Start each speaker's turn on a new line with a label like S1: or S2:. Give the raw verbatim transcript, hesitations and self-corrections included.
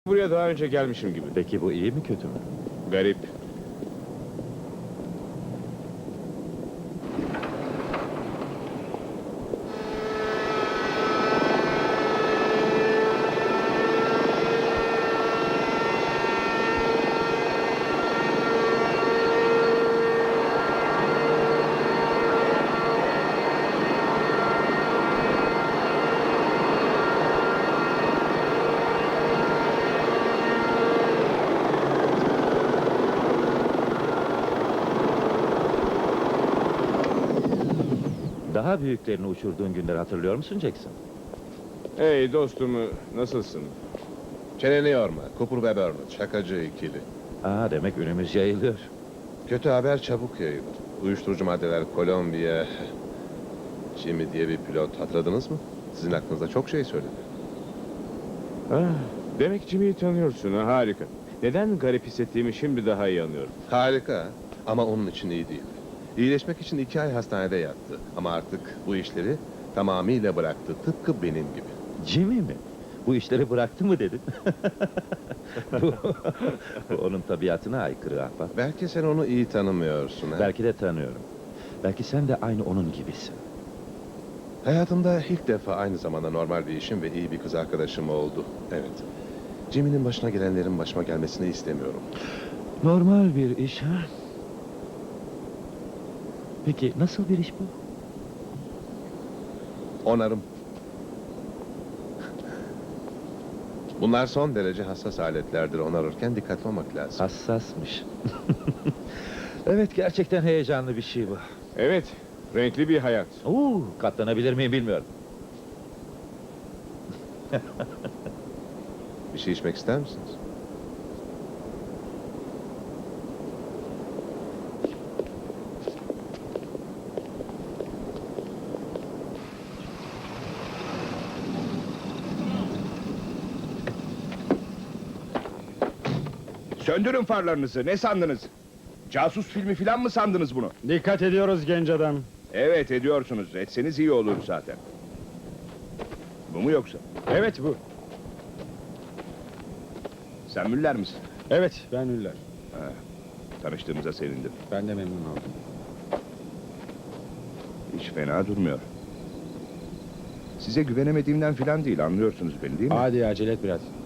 S1: Buraya daha önce gelmişim gibi.
S2: Peki bu iyi mi kötü mü?
S1: Garip.
S2: Daha büyüklerini uçurduğun günleri hatırlıyor musun Jackson?
S1: Hey dostum, nasılsın?
S3: Çeneni yorma. Cooper ve Burnett, şakacı ikili.
S2: Aa, demek ünümüz yayılıyor.
S3: Kötü haber çabuk yayılır. Uyuşturucu maddeler, Kolombiya... Jimmy diye bir pilot, hatırladınız mı? Sizin aklınızda çok şey söyledi.
S1: Ah, demek Jimmy'yi tanıyorsun, ha, harika. Neden garip hissettiğimi şimdi daha iyi anlıyorum.
S3: Harika ama onun için iyi değil. İyileşmek için iki ay hastanede yattı. Ama artık bu işleri tamamıyla bıraktı. Tıpkı benim gibi.
S2: Jimmy mi? Bu işleri bıraktı mı dedin? bu, bu onun tabiatına aykırı ahbap.
S3: Belki sen onu iyi tanımıyorsun. Ha?
S2: Belki de tanıyorum. Belki sen de aynı onun gibisin.
S3: Hayatımda ilk defa aynı zamanda normal bir işim ve iyi bir kız arkadaşım oldu. Evet. Jimmy'nin başına gelenlerin başıma gelmesini istemiyorum.
S2: Normal bir iş ha? Peki nasıl bir iş bu?
S3: Onarım. Bunlar son derece hassas aletlerdir. Onarırken dikkatli olmak lazım.
S2: Hassasmış. Evet, gerçekten heyecanlı bir şey bu.
S1: Evet, renkli bir hayat.
S2: Oo, katlanabilir miyim bilmiyorum.
S3: Bir şey içmek ister misiniz?
S4: Söndürün farlarınızı. Ne sandınız? Casus filmi falan mı sandınız bunu?
S5: Dikkat ediyoruz genç adam.
S4: Evet ediyorsunuz. Etseniz iyi olur zaten. Bu mu yoksa?
S5: Evet bu.
S4: Sen Müller misin?
S5: Evet ben Üller.
S4: Ha, tanıştığımıza sevindim.
S5: Ben de memnun oldum.
S4: Hiç fena durmuyor. Size güvenemediğimden falan değil, anlıyorsunuz beni değil mi?
S5: Hadi acele et biraz.